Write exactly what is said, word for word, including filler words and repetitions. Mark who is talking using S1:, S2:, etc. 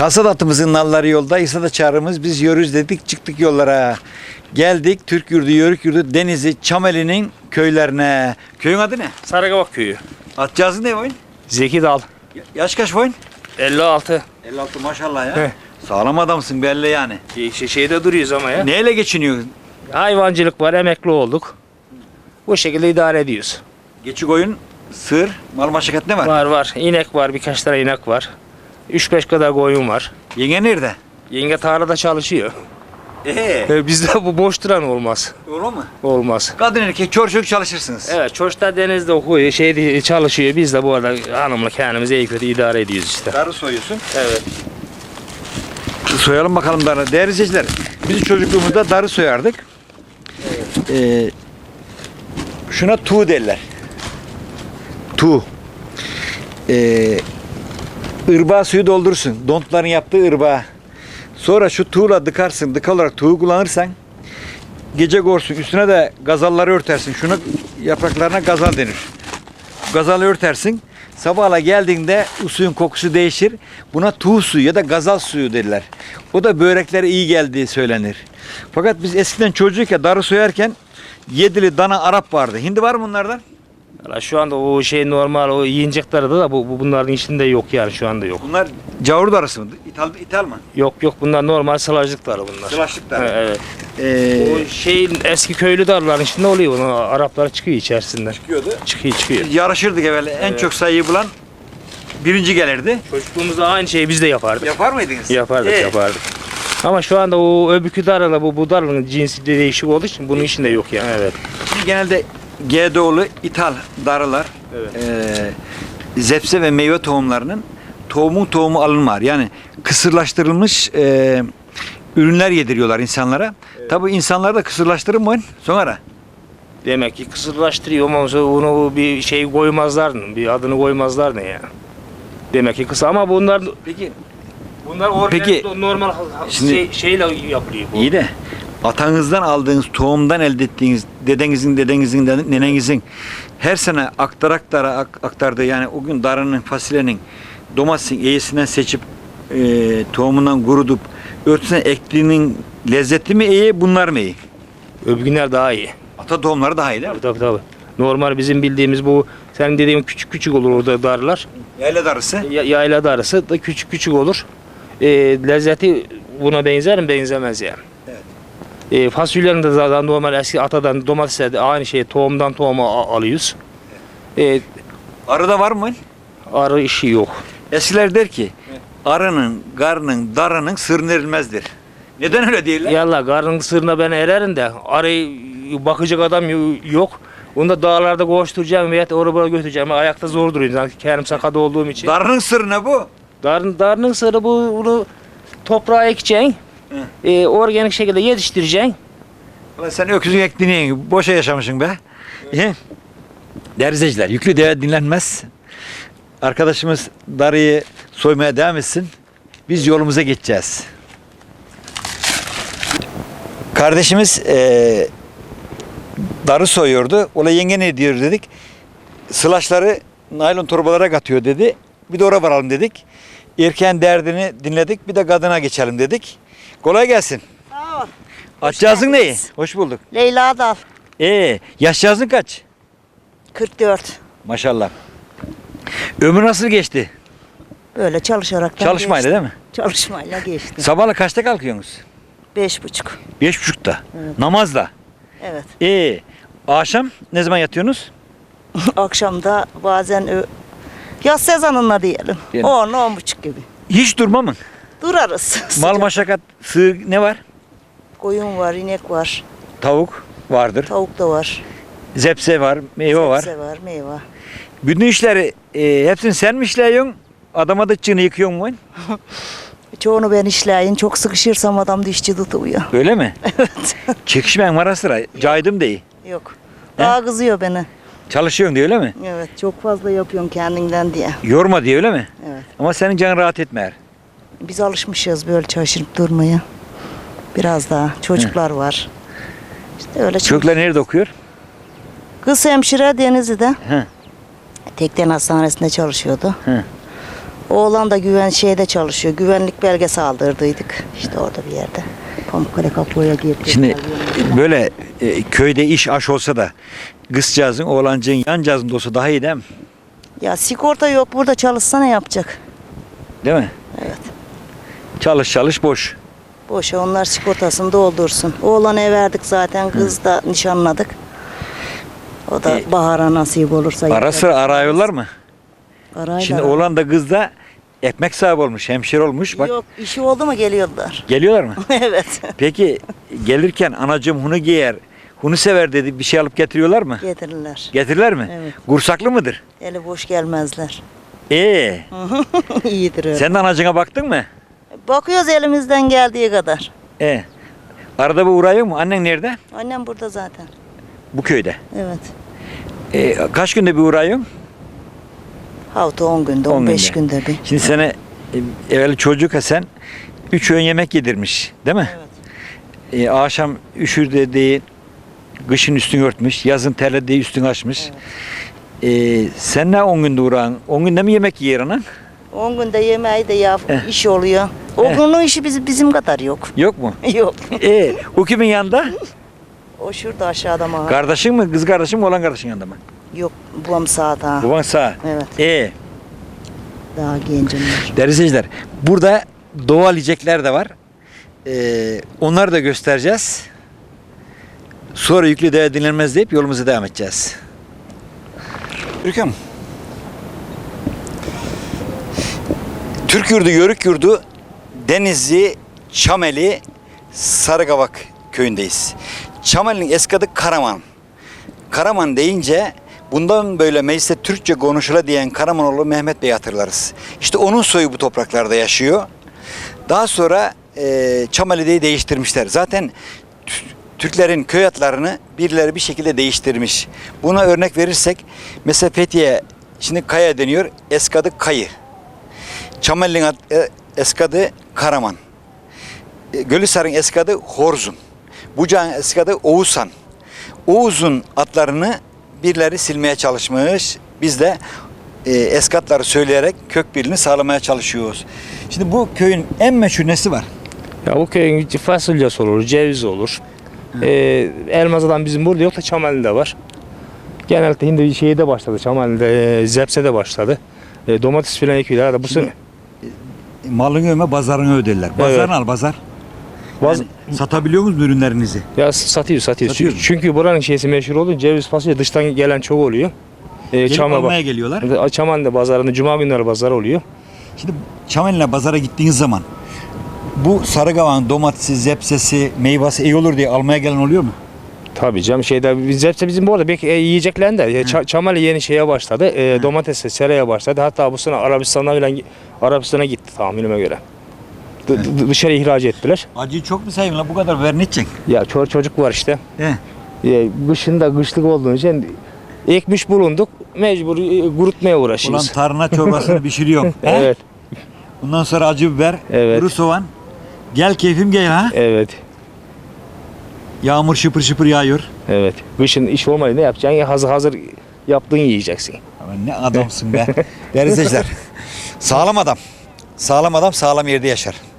S1: Kasat atımızın nalları yolda, İsa da çağrımız, biz yürürüz dedik, çıktık yollara. Geldik Türk yurdu, Yörük yurdu, Denizli, Çameli'nin köylerine. Köyün adı ne?
S2: Sarıkavak köyü.
S1: Atcağızın ne boyun?
S2: Zeki Dal.
S1: Yaş kaç boyun?
S2: elli altı.
S1: elli altı maşallah ya.
S2: Heh.
S1: Sağlam adamsın belli yani.
S2: Şey, şeyde duruyoruz ama ya.
S1: Neyle geçiniyorsun?
S2: Hayvancılık var, emekli olduk. Bu şekilde idare ediyoruz.
S1: Geçi koyun, sığır, mal maşakat ne var?
S2: Var var. İnek var, birkaç tane inek var. üç beş kadar koyun var.
S1: Yenge nerede?
S2: Yenge tarlada çalışıyor.
S1: Eee?
S2: E, bizde bu boş duran olmaz.
S1: Olur mu?
S2: Olmaz.
S1: Kadın erkek çor çocuk çalışırsınız.
S2: Evet, çocuklar denizde okuyor, şeyde çalışıyor. Biz de bu arada hanımla kendimizi iyi kötü idare ediyoruz işte.
S1: Darı soyuyorsun.
S2: Evet.
S1: Soyalım bakalım darı. Değerli izleyiciler, biz çocukluğumuzda darı soyardık. Ee, şuna tuğ derler. Tuğ. Ee, ırbağa suyu doldurursun. Dontların yaptığı ırbağa. Sonra şu tuğla dıkarsın. Dık olarak tuğu kullanırsan gece gorsun. Üstüne de gazalları örtersin. Şunu yapraklarına gazal denir. Gazalı örtersin. Sabahla geldiğinde o suyun kokusu değişir. Buna tuğ suyu ya da gazal suyu derler. O da böreklere iyi geldiği söylenir. Fakat biz eskiden çocukken darı soyarken yedili dana Arap vardı. Hindi var mı bunlardan?
S2: Valla şu anda o şey normal, o yiyecekleri de bu, bu bunların içinde yok yani, şu anda yok.
S1: Bunlar cavur darısı mı? İthal, ithal mı?
S2: Yok yok, bunlar normal sılajlıkları bunlar.
S1: Sılaşlık darı.
S2: Evet.
S1: Ee,
S2: O şeyin eski köylü darların içinde oluyor, onu Araplar çıkıyor içerisinden.
S1: çıkıyordu.
S2: Çıkıyor çıkıyor.
S1: Yarışırdık evvel. En
S2: Evet.
S1: çok sayıyı bulan birinci gelirdi.
S2: Çocukluğumuzda aynı şeyi biz de yapardık.
S1: Yapar mıydınız?
S2: Yapardık
S1: Ee,
S2: yapardık. Ama şu anda o öbürkü darla bu, bu darlanın cinsi de değişik olduğu için bunun içinde yok yani. Evet.
S1: Şimdi genelde G D O'lu ithal darılar,
S2: Evet.
S1: e, zepse ve meyve tohumlarının tohumun tohumu alınmaz. Yani kısırlaştırılmış e, ürünler yediriyorlar insanlara.
S2: Evet.
S1: Tabii insanlar da kısırlaştırır mı sonra?
S2: Demek ki kısırlaştırıyor ama sonra onu bir şey koymazlar, bir adını koymazlar ne ya. Demek ki kısa ama bunlar
S1: Peki
S2: bunlar organik,
S1: Peki,
S2: normal
S1: şimdi-
S2: şey, şeyle yapılıyor bu.
S1: iyi de atanızdan aldığınız tohumdan elde ettiğiniz dedenizin, dedenizin, nenenizin her sene aktar aktara ak- aktardığı yani o gün darının, fasulyenin, domatesin eğisinden seçip e, tohumundan kurutup örtüsüne ektiğinin lezzetli mi iyi, bunlar mı iyi?
S2: Öbürgünler daha iyi.
S1: Ata tohumları daha iyi değil mi?
S2: Tabii tabii tabii. Normal bizim bildiğimiz bu senin dediğin küçük küçük olur orada darlar.
S1: Yayla darısı.
S2: Ya, yayla darısı da küçük küçük olur. E, lezzeti buna benzer mi? Benzemez yani.
S1: Evet.
S2: E, fasulyenin de zaten normal eski atadan domatesler de aynı şey tohumdan tohuma a- alıyoruz. E,
S1: Arıda var mı?
S2: arı işi yok.
S1: Eskiler der ki arının, garının, darının sırrı erilmezdir. Neden öyle diyorlar?
S2: Yallah karnın sırrına ben ererim de arayı bakacak adam yo- yok. Onu da dağlarda koşturacağım veya oraya buraya götüreceğim. Ayakta zor duruyorum. Yani kendim sakat olduğum için.
S1: Darının sırrı ne bu?
S2: Darın, darının sırrı bu, bunu toprağa ekeceksin. E, organik şekilde yetiştireceksin.
S1: Ulan sen öküzün ektiğini yiyin. Boşa yaşamışsın be. Evet. Değerli izleyiciler, yüklü deve dinlenmez. Arkadaşımız darıyı soymaya devam etsin. Biz yolumuza geçeceğiz. Kardeşimiz eee darı soyuyordu. Ola yenge ne diyor dedik. Sılaçları naylon torbalara katıyor dedi. Bir de oraya varalım dedik. Erkeğin derdini dinledik. Bir de kadına geçelim dedik. Kolay gelsin.
S3: Sağ ol.
S1: Açacağızın neyi?
S3: geldiniz.
S1: Hoş bulduk.
S3: Leyla Dal.
S1: Ee, yaşcağızın kaç?
S3: kırk dört.
S1: Maşallah. Ömür nasıl geçti?
S3: Böyle çalışarak da
S1: Çalışmayla
S3: geçti.
S1: değil mi?
S3: Çalışmayla geçti.
S1: Sabahla kaçta kalkıyorsunuz?
S3: Beş buçuk.
S1: Beş buçukta.
S3: Evet.
S1: Namazla.
S3: Evet.
S1: Ee, akşam ne zaman yatıyorsunuz?
S3: Akşamda bazen ö- yaz sezonunda diyelim.
S1: Diyelim.
S3: On, on buçuk gibi.
S1: Hiç durma mı?
S3: Durarız.
S1: Mal
S3: Sıcak.
S1: maşakat, sığır ne var?
S3: Koyun var, inek var,
S1: Tavuk vardır.
S3: tavuk da var.
S1: Zepse var, meyve var.
S3: Sebze var, meyve.
S1: Bütün işleri e, hepsini sen mi işliyorsun? Adama da çığını yıkıyorsun mu?
S3: Çoğunu ben işleyin. Çok sıkışırsam adam dişçi tutuyor.
S1: Öyle mi?
S3: Evet.
S1: Çekişmen var sıra. Caydım değil.
S3: Yok. Daha kızıyor beni.
S1: Çalışıyorsun diye öyle mi?
S3: Evet. Çok fazla yapıyorsun kendinden diye.
S1: Yorma diye öyle mi?
S3: Evet.
S1: Ama senin canın rahat etmer.
S3: Biz alışmışız böyle çalışıp durmaya. Biraz daha. Çocuklar var. İşte öyle
S1: Çocuklar nerede okuyor?
S3: Kız hemşire Denizli'de.
S1: He.
S3: Tekden hastanesinde çalışıyordu.
S1: He.
S3: Oğlan da güven şeyde çalışıyor. Güvenlik belgesi aldırdıydık. İşte orada bir yerde. Pamukkale kapıya girdi.
S1: Şimdi böyle e, köyde iş aş olsa da kızcağızın oğlancığın yancağızın da olsa daha iyi değil mi?
S3: Ya sigorta yok. Burada çalışsa ne yapacak?
S1: Değil mi?
S3: Evet.
S1: Çalış çalış boş.
S3: Boşa onlar sigortasını doldursun. Oğlanı ev verdik zaten. Kız da nişanladık. O da
S1: E,
S3: bahara nasip olursa.
S1: Ara
S3: yapacak.
S1: sıra arıyorlar mı?
S3: Arayla.
S1: Şimdi oğlan da kız da ekmek sahibi olmuş, hemşire olmuş. Bak
S3: Yok işi oldu mu geliyorlar.
S1: geliyorlar mı?
S3: Evet.
S1: Peki gelirken anacığım hunu giyer, hunu sever dedi bir şey alıp getiriyorlar mı?
S3: Getirirler.
S1: Getirirler mi?
S3: Evet.
S1: Kursaklı mıdır?
S3: Eli boş gelmezler.
S1: Ee,
S3: İyidir öyle.
S1: sen de anacığına baktın mı?
S3: Bakıyoruz elimizden geldiği kadar.
S1: Ee, arada bir uğrayıyor mu? Annen nerede?
S3: Annem burada zaten.
S1: Bu köyde.
S3: Evet.
S1: Ee, kaç günde bir uğrayıyorsun?
S3: Hafta on günde,
S1: On
S3: on beş
S1: günde.
S3: günde bir.
S1: Şimdi sana e, evvel çocuk Hasan üç öğün yemek yedirmiş değil mi?
S3: Evet.
S1: Ee, akşam üşür dediği kışın üstünü örtmüş, yazın terlediği üstünü açmış. Ee, sen ne on günde uğrağın? on günde mi yemek yer anan?
S3: on günde yemeği de yap,
S1: Eh.
S3: iş oluyor. O
S1: Eh.
S3: günün işi bizim, bizim kadar yok.
S1: Yok mu?
S3: Yok.
S1: Ee, o kimin yanında?
S3: O şurada aşağıda mı?
S1: Kardeşin mi? Kız kardeşin mi? Olan kardeşin yanında mı?
S3: Yok, babam sağda.
S1: Baban sağ.
S3: Evet,
S1: Ee,
S3: daha gencim var.
S1: değerli izleyiciler, burada doğal yiyecekler de var. Ee, onları da göstereceğiz. Sonra yüklü değer dinlenmez deyip yolumuza devam edeceğiz. Ürküm. Türk yurdu, Yörük yurdu, Denizli, Çameli, Sarıkavak köyündeyiz. Çameli'nin eski adı Karaman. Karaman deyince bundan böyle mecliste Türkçe konuşula diyen Karamanoğlu Mehmet Bey'i hatırlarız. İşte onun soyu bu topraklarda yaşıyor. Daha sonra e, Çameli'deyi değiştirmişler. Zaten Tü- Türklerin köy adlarını birileri bir şekilde değiştirmiş. Buna örnek verirsek mesela Fethiye şimdi Kaya deniyor, eski adı Kayı. Çameli'nin ad, e, eski adı Karaman. E, Gölhisar'ın eski adı Horzun. Bucak'ın eski adı Oğuzhan. Oğuz'un adlarını birileri silmeye çalışmış. Biz de e, eski adları söyleyerek kök birliğini sağlamaya çalışıyoruz. Şimdi bu köyün en meşhur nesi var?
S2: Ya bu köyün fasulyesi olur, ceviz olur. Ee, Elmaza'dan bizim burada yok da Çamali'de var. Genelde şimdi şeyde başladı, Çamali'de, e, Zepse'de başladı. E, domates filan ekiyorlar da bu sene.
S1: Malını öme, bazarını öderler. Bazarını
S2: Evet.
S1: al, bazar.
S2: Baz-
S1: Yani satabiliyor musunuz ürünlerinizi?
S2: Ya satıyor, satıyor.
S1: Satıyor
S2: Çünkü,
S1: mu?
S2: çünkü buranın şeysi meşhur oldu. Ceviz fasulye dıştan gelen çok oluyor. Ee,
S1: Gelip
S2: Çam'a
S1: almaya
S2: bak.
S1: geliyorlar.
S2: Çamali'de pazarında cuma günleri pazar oluyor.
S1: Şimdi Çameli'ne pazara gittiğiniz zaman bu Sarıkavak'ın domatesi, zepsesi, meyvesi iyi olur diye almaya gelen oluyor mu?
S2: Tabii canım şeyde biz hepsi bizim bu arada belki e, yiyeceklerin de e, Ça- Çamali yeni şeye başladı. E, domatese, seraya başladı. Hatta bu sene Arabistan'a falan Arabistan'a gitti tahminime göre. D- d- dışarı ihraç ettiler.
S1: Acıyı çok mu seveyim la bu kadar ver ne edeceksin?
S2: Ya çocuk çocuk var işte.
S1: He.
S2: E, kışında kışlık olduğu için ekmiş bulunduk. Mecbur e, kurutmaya
S1: Ulan
S2: uğraşıyoruz.
S1: tarhana çorbasını pişiriyorum. He?
S2: Evet.
S1: Bundan sonra acı biber,
S2: Evet.
S1: kuru soğan. Gel keyfim gel ha.
S2: Evet.
S1: Yağmur şıpır şıpır yağıyor.
S2: Evet. Kışın iş olmayınca ne yapacaksın? Ya hazır hazır yaptığın yiyeceksin.
S1: Aman ne adamsın be. Değerli izleyiciler. Sağlam adam. Sağlam adam sağlam yerde yaşar.